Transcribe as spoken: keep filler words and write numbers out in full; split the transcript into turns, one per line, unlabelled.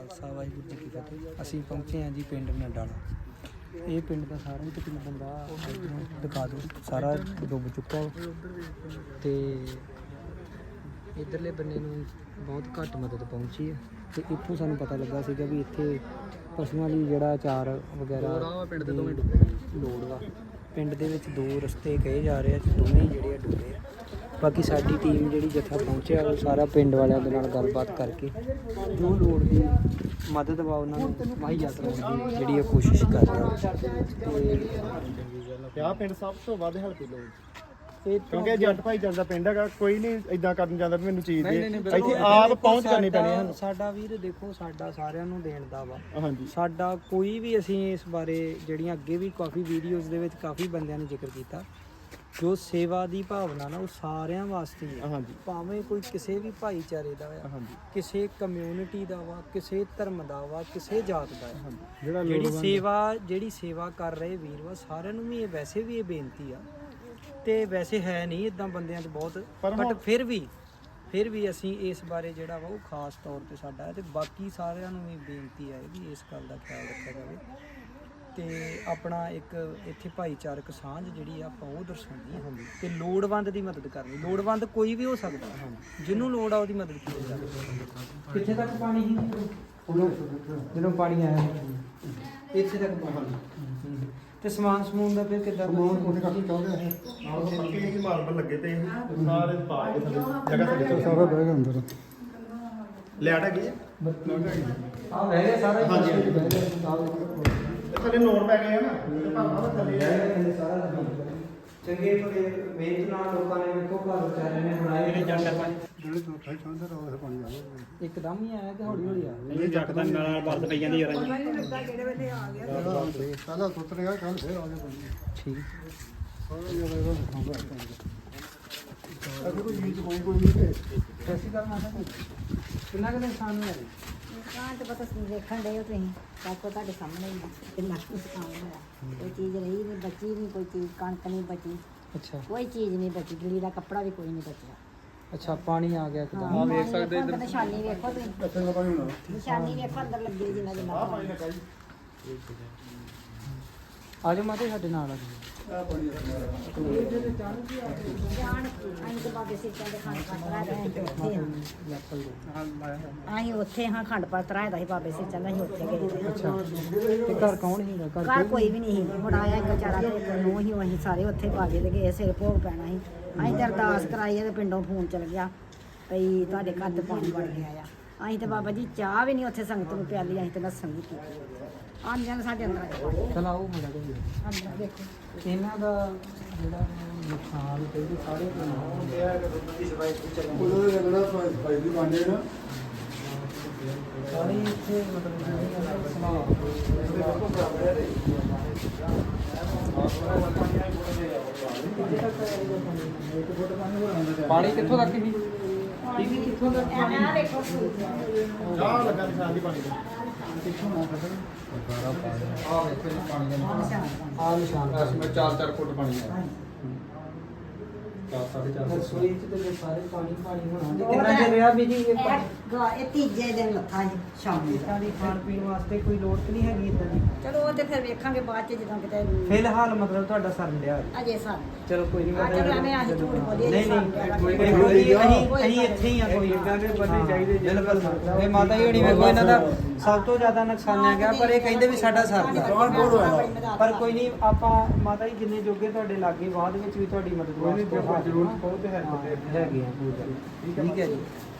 ਖਾਲਸਾ ਵਾਹਿਗੁਰੂ ਜੀ ਕੀ ਫਤਿਹ। ਅਸੀਂ ਪਹੁੰਚੇ ਹਾਂ ਜੀ ਪਿੰਡ ਨਡਾਲਾ। ਇਹ ਪਿੰਡ ਦਾ ਸਾਰਾ ਹੀ ਤਕਰੀਬਨ ਬੰਦਾ ਇੱਧਰੋਂ ਦਿਖਾ ਦਿਓ, ਸਾਰਾ ਡੁੱਬ ਚੁੱਕਾ ਤੇ ਇੱਧਰਲੇ ਬੰਨੇ ਨੂੰ ਬਹੁਤ ਘੱਟ ਮਦਦ ਪਹੁੰਚੀ ਹੈ। ਤੇ ਇੱਥੋਂ ਸਾਨੂੰ ਪਤਾ ਲੱਗਾ ਸੀਗਾ ਵੀ ਇੱਥੇ ਪਸ਼ੂਆਂ ਲਈ ਜਿਹੜਾ ਅਚਾਰ ਵਗੈਰਾ ਪਿੰਡ ਦੇ ਦੋਵੇਂ ਲੋੜ ਵਾ। ਪਿੰਡ ਦੇ ਵਿੱਚ ਦੋ ਰਸਤੇ ਕਹੇ ਜਾ ਰਹੇ ਆ, ਦੋਵੇਂ ਜਿਹੜੇ ਆ ਡੁੱਬੇ ਆ। ਬਾਕੀ ਸਾਡੀ ਟੀਮ ਜਿਹੜੀ ਜੱਥਾ ਪਹੁੰਚਿਆ ਉਹ ਸਾਰਾ ਪਿੰਡ ਵਾਲਿਆਂ ਦੇ ਨਾਲ ਗੱਲਬਾਤ ਕਰਕੇ ਜੋ ਲੋੜ ਦੀ ਮਦਦ ਵਾ ਉਹਨਾਂ ਨੂੰ ਮੁਹੱਈਆ ਕਰਾਉਣ ਦੀ ਜਿਹੜੀ ਆ ਕੋਸ਼ਿਸ਼ ਕਰ ਰਿਹਾ।
ਤੇ ਆਹ ਪਿੰਡ ਸਭ ਤੋਂ ਵੱਧ ਹੈਲਪ ਲੋੜ ਇਹ ਕਿਉਂਕਿ ਜੱਟ ਭਾਈ ਜਾਂਦਾ ਪਿੰਡ ਹੈਗਾ, ਕੋਈ ਨਹੀਂ ਇਦਾਂ ਕਰਨ ਜਾਂਦਾ ਵੀ ਮੈਨੂੰ ਚੀਜ਼ ਦੇ, ਇੱਥੇ ਆਪ ਪਹੁੰਚ ਕਰਨੀ ਪੈਣੀ ਹੈ।
ਸਾਡਾ ਵੀਰ ਦੇਖੋ, ਸਾਡਾ ਸਾਰਿਆਂ ਨੂੰ ਦੇਣ ਦਾ ਵਾ।
ਹਾਂਜੀ,
ਸਾਡਾ ਕੋਈ ਵੀ, ਅਸੀਂ ਇਸ ਬਾਰੇ ਜਿਹੜੀਆਂ ਅੱਗੇ ਵੀ ਕਾਫੀ ਵੀਡੀਓਜ਼ ਦੇ ਵਿੱਚ ਕਾਫੀ ਬੰਦਿਆਂ ਨੇ ਜ਼ਿਕਰ ਕੀਤਾ, ਜੋ ਸੇਵਾ ਦੀ ਭਾਵਨਾ ਨਾ ਉਹ ਸਾਰਿਆਂ ਵਾਸਤੇ ਹੈ।
ਹਾਂਜੀ,
ਭਾਵੇਂ ਕੋਈ ਕਿਸੇ ਵੀ ਭਾਈਚਾਰੇ ਦਾ ਆ,
ਹਾਂਜੀ,
ਕਿਸੇ ਕਮਿਊਨਿਟੀ ਦਾ ਵਾ, ਕਿਸੇ ਧਰਮ ਦਾ ਵਾ, ਕਿਸੇ ਜਾਤ ਦਾ ਹੈ।
ਜਿਹੜਾ
ਜਿਹੜੀ ਸੇਵਾ ਜਿਹੜੀ ਸੇਵਾ ਕਰ ਰਹੇ ਵੀਰ ਵਾ, ਸਾਰਿਆਂ ਨੂੰ ਵੀ ਇਹ ਵੈਸੇ ਵੀ ਇਹ ਬੇਨਤੀ ਆ, ਤੇ ਵੈਸੇ ਹੈ ਨਹੀਂ ਇਦਾਂ ਬੰਦਿਆਂ 'ਚ ਬਹੁਤ, ਬਟ ਫਿਰ ਵੀ ਫਿਰ ਵੀ ਅਸੀਂ ਇਸ ਬਾਰੇ ਜਿਹੜਾ ਵਾ ਉਹ ਖਾਸ ਤੌਰ ਤੇ ਸਾਡਾ ਹੈ। ਤੇ ਬਾਕੀ ਸਾਰਿਆਂ ਨੂੰ ਵੀ ਬੇਨਤੀ ਹੈ ਵੀ ਇਸ ਗੱਲ ਦਾ ਖਿਆਲ ਰੱਖਿਆ ਜਾਵੇ ਤੇ ਆਪਣਾ ਇੱਕ ਇੱਥੇ ਭਾਈਚਾਰਕ ਸਾਂਝ ਜਿਹੜੀ ਆ ਆਪਾਂ ਉਹ ਦਰਸਾਉਣੀ ਹੈ ਤੇ ਲੋੜਵੰਦ ਦੀ ਮਦਦ ਕਰਨੀ। ਲੋੜਵੰਦ ਕੋਈ ਵੀ ਹੋ ਸਕਦਾ, ਜਿਹਨੂੰ ਲੋੜ ਆ ਉਹਦੀ ਮਦਦ ਕੀਤੀ ਜਾਵੇ। ਕਿੱਥੇ ਤੱਕ ਪਾਣੀ ਸੀ ਜਦੋਂ ਪਾਣੀ ਆਇਆ? ਇੱਥੇ ਤੱਕ ਪਾਣੀ। ਤੇ ਸਮਾਨ ਸਮੂਨ ਦਾ ਫਿਰ ਕਿੱਦਾਂ?
ਉਹਨੇ ਕਾਫੀ ਚਾਹੁੰਦੇ ਹੈ ਪੱਕੇ ਹੀ ਮਾਰਬਲ ਲੱਗੇ ਤੇ ਸਾਰੇ ਪਾ ਕੇ ਥੱਲੇ ਜਗ੍ਹਾ ਥੱਲੇ ਸਾਰਾ ਬਹਿ ਗਿਆ ਅੰਦਰ। ਲੈਟ ਹੈਗੀ
ਆ ਬਹਿ ਗਿਆ ਸਾਰਾ।
ਹਾਂਜੀ, ਥੱਲੇ ਨੋਟ ਪੈ ਗਏ ਆ ਨਾ, ਤੇ ਭਾਵੇਂ ਥੱਲੇ
ਸਾਰਾ ਚੰਗੇ ਭਲੇ ਮਿਹਨਤ ਨਾਲ ਲੋਕਾਂ ਨੇ ਵੇਖੋ ਘਰ ਵਿਚਾਰੇ ਨੇ ਬਣਾਏ ਨੇ। ਜੱਟ
ਜਿਹੜੇ ਤੋਂ ਠਾਈ ਚਾਹੁੰਦੇ ਰੋ ਇਹ ਪਾਣੀ ਆ ਗਿਆ
ਇੱਕਦਮ ਹੀ ਆਇਆ ਕਿ ਹੌਲੀ ਹੌਲੀ ਆ?
ਇਹ ਜੱਟ ਦਾ ਨਾਲ ਵਰਤ ਪਈ ਜਾਂਦੀ ਯਾਰ ਜੀ। ਕਿਹੜੇ ਵੇਲੇ ਆ ਗਿਆ ਪਹਿਲਾਂ ਸੁੱਤ ਰਿਹਾ, ਕੱਲ ਫੇਰ ਆ ਗਿਆ ਪਾਣੀ।
ਠੀਕ
ਸਾਰਾ ਜਿਹੜਾ ਇਹਦਾ ਖਾਂਦਾ ਅਗਰ ਕੋਈ ਚੀਜ਼ ਕੋਈ ਕੋਈ ਨਹੀਂ
ਐਸੀ ਗੱਲ ਮਾਤਾ ਕਿੰਨਾ ਕੁ ਨੁਕਸਾਨ ਹੋਇਆ ਜੀ?
ਨੁਕਸਾਨ ਤੇ ਪਤਾ ਦੇਖਣ ਡਏ ਹੋ ਤੁਸੀਂ, ਸਭ ਕੁਝ ਤੁਹਾਡੇ ਸਾਹਮਣੇ ਹੀ ਆ ਕਿੰਨਾ ਕੁ ਨੁਕਸਾਨ ਹੋਇਆ। ਕੋਈ ਚੀਜ਼ ਰਹੀ ਨਹੀਂ, ਬਚੀ ਨਹੀਂ ਕੋਈ ਚੀਜ਼, ਕਣਕ ਨਹੀਂ ਬਚੀ,
ਅੱਛਾ
ਕੋਈ ਚੀਜ਼ ਨਹੀਂ ਬਚੀ, ਗਿੱਲੀ ਦਾ ਕੱਪੜਾ ਵੀ ਕੋਈ ਨਹੀਂ ਬਚਿਆ।
ਅੱਛਾ, ਪਾਣੀ ਆ ਗਿਆ ਇੱਕਦਮ।
ਹਾਂ, ਵੇਖ ਸਕਦੇ ਇੱਧਰ ਨਿਸ਼ਾਨੀ ਵੇਖੋ ਤੁਸੀਂ,
ਅੱਛਾ ਪਾਣੀ ਹੋਣਾ
ਨਿਸ਼ਾਨੀ ਵੇਖੋ ਅੰਦਰ ਲੱਗੀ ਜਿੰਨਾ ਜਿੰਨਾ ਪਾਣੀ।
ਆ ਜਾਓ ਮਾਤਾ ਸਾਡੇ ਨਾਲ ਆ ਜਾਓ।
ਆ ਪਾਣੀ
ਜਾਣ ਅਸੀਂ ਤੇ ਬਾਬੇ ਸਿੱਖਾਂ ਦੇ ਖੰਡ ਪਾਤ ਰਾਇਦਾ ਸੀ ਉੱਥੇ ਹਾਂ। ਅਸੀਂ ਉੱਥੇ ਹਾਂ ਖੰਡ ਪਾਤ ਰਾਇਦਾ ਸੀ ਬਾਬੇ ਸਿੱਖਾਂ ਦਾ, ਅਸੀਂ ਉੱਥੇ ਗਏ ਸੀ।
ਅੱਛਾ, ਤੇ ਘਰ ਕੌਣ ਸੀਗਾ? ਘਰ
ਘਰ ਕੋਈ ਵੀ ਨਹੀਂ ਸੀ, ਮੁੰਡਾ ਆਇਆ ਇੱਕ ਵਿਚਾਰਾ ਤੇ ਇੱਕ ਨੂੰ ਹੀ, ਅਸੀਂ ਸਾਰੇ ਉੱਥੇ ਬਾਬੇ ਦੇ ਗਏ, ਸਿਰ ਭੋਗ ਪੈਣਾ ਸੀ। ਅਸੀਂ ਤੇ ਅਰਦਾਸ ਕਰਾਈ ਤੇ ਪਿੰਡੋਂ ਫੋਨ ਚਲ ਗਿਆ ਭਈ ਤੁਹਾਡੇ ਘਰ ਤੇ ਪਾਣੀ ਵੜ ਗਿਆ ਆ। ਅਸੀਂ ਤੇ ਬਾਬਾ ਜੀ ਚਾਹ ਵੀ ਨਹੀਂ ਉੱਥੇ ਸੰਗਤ ਨੂੰ ਪਿਆਲੀ, ਅਸੀਂ ਤੇ ਲੱਸਣ ਵੀ ਕੀਤੀ। ਆਂਦਿਆਂ ਸਾਡੇ ਅੰਦਰ ਆਇਆ।
ਚਲ ਆਓ ਮੁੰਡਾ ਦੇ
ਅੰਦਰ ਦੇਖੋ
ਇਹਨਾਂ ਦਾ ਜਿਹੜਾ ਨੁਕਸਾਨ ਤੇ ਇਹਦੇ ਸਾਰੇ
ਉਹਦਾ ਜਿਹੜਾ ਭਾਈ ਦੀ ਬਾਂਡੇ ਨਾ
ਸਾਰੇ ਇੱਥੇ ਮਤਲਬ ਜਿਹੜੀ ਸਮਾਂ ਪਾਣੀ ਕਿੱਥੋਂ ਤੱਕ ਸੀ?
ਪਾਣੀ ਕਿੱਥੋਂ ਦਾ ਆ ਦੇਖੋ
ਚਾਹ ਲੱਗਾ ਨਿਸ਼ਾਨ ਦੀ ਪਾਣੀ ਦਾ
ਕਿੱਥੋਂ ਨਾ ਕੱਢਣ ਸਾਰਾ ਪਾਣੀ ਆ ਵੇਖੋ ਜੀ, ਪਾਣੀ ਦਾ ਆ ਨਿਸ਼ਾਨ
ਅਸੀਂ ਮੈਂ ਚਾਰ ਚਾਰ ਫੁੱਟ ਪਾਣੀ ਆ ਚਾਰ ਸਾਢੇ ਚਾਰ
ਰਸੋਈ ਚ ਤੇ ਸਾਰੇ ਪਾਣੀ ਪਾਣੀ ਹੋਣਾ। ਕਿੰਨਾ ਚਿਰ ਰਿਹਾ ਵੀ ਜੀ ਇਹ ਪਾਣੀ?
ਇਹ ਇਹ ਤੀਜੇ ਦਿਨ ਲੱਥਾ ਜੀ ਸ਼ਾਮ ਨੂੰ।
ਇੱਦਾਂ ਦੀ ਖਾਣ ਪੀਣ ਵਾਸਤੇ ਕੋਈ ਲੋੜ ਤਾਂ ਨਹੀਂ ਹੈਗੀ ਇੱਦਾਂ ਦੀ?
ਚਲੋ ਉਹ ਤੇ ਫਿਰ ਵੇਖਾਂਗੇ ਬਾਅਦ ਚ ਜਦੋਂ ਕਿਤੇ
ਫਿਲਹਾਲ ਮਤਲਬ ਤੁਹਾਡਾ ਸਰਨ ਡਿਆ?
ਅਜੇ ਸਰ
ਚਲੋ ਕੋਈ ਨਹੀਂ।
ਆ ਚਲੋ ਐਵੇਂ ਅਸੀਂ ਝੂਠ ਬੋਲੀਏ
ਨਹੀਂ
ਜੀ,
ਨਹੀਂ
ਕੋਈ
ਕੋਈ
ਨਹੀਂ।
ਅਸੀਂ ਅਸੀਂ ਇੱਥੇ ਹੀ ਆ। ਕੋਈ ਇਦਾਂ ਦੇ ਬੰਦੇ ਚਾਹੀਦੇ ਬਿਲਕੁਲ। ਇਹ ਮਾਤਾ ਜੀ ਹੋਣੀ ਵੇਖੋ, ਇਹਨਾਂ ਦਾ ਸਭ ਤੋਂ ਜ਼ਿਆਦਾ ਨੁਕਸਾਨਿਆ ਗਿਆ, ਪਰ ਇਹ ਕਹਿੰਦੇ ਵੀ ਸਾਡਾ ਸਰਦਾ। ਪਰ ਕੋਈ ਨਹੀਂ, ਆਪਾਂ ਮਾਤਾ ਜੀ ਜਿੰਨੇ ਜੋਗੇ ਤੁਹਾਡੇ ਲਾਗੇ ਬਾਅਦ ਵਿੱਚ ਵੀ ਤੁਹਾਡੀ ਮਦਦ ਵਾਸਤੇ ਜ਼ਰੂਰ ਪਹੁੰਚਦੇ ਹੈਗੇ ਆ। ਠੀਕ ਹੈ ਜੀ।